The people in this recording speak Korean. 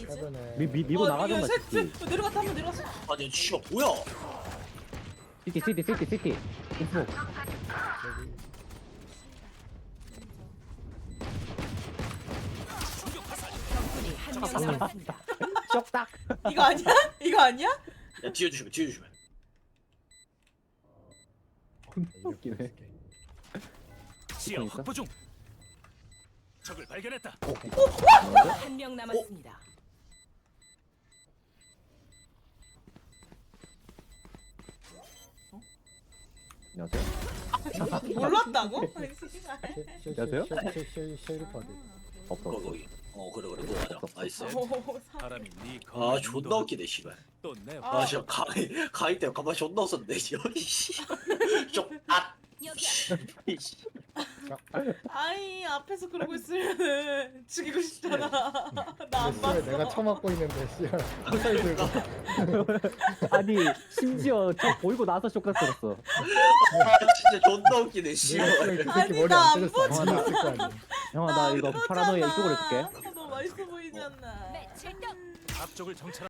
해변에 밀고 나가던가 시티. 내려갔다 한번 내려갔어. 아니 씨발 뭐야? 시티 인포. 적군이 한 명 남았습니다. 쩍딱. 이거 아니야? 이거 아니야? 야 뒤에 주시면. 웃기네. 지하 있어? 확보 중. 적을 발견했다. 한 명 남았습니다. 안녕하세요. 몰랐다고? 안녕하세요? 쉐리파드 없어. 거기. 그래 그거 맞아. 나이스. 바람이 네 아 존나 웃기네 씨발. 또내 아 진짜 가위 때문에 가만히 존나 웃었네 여기 씨. 좀아 아이 앞에서 그러고 있으면 죽이고 싶잖아. 나 안 씨발 봤어. 내가 처맞고 있는데 씨발 화살 들고 아니 심지어 저 보이고 나서 쇼크 들었어. 진짜 존나 웃기네 내가 씨발. 그 새끼 아니, 머리 나 안 안 때렸어 안 맞을 거 아니야 형아 나 이거 파라노이아 이쪽으로 해줄게. 너 맛있어 보이지 않나? 네, 칠등. 앞쪽을 정찰.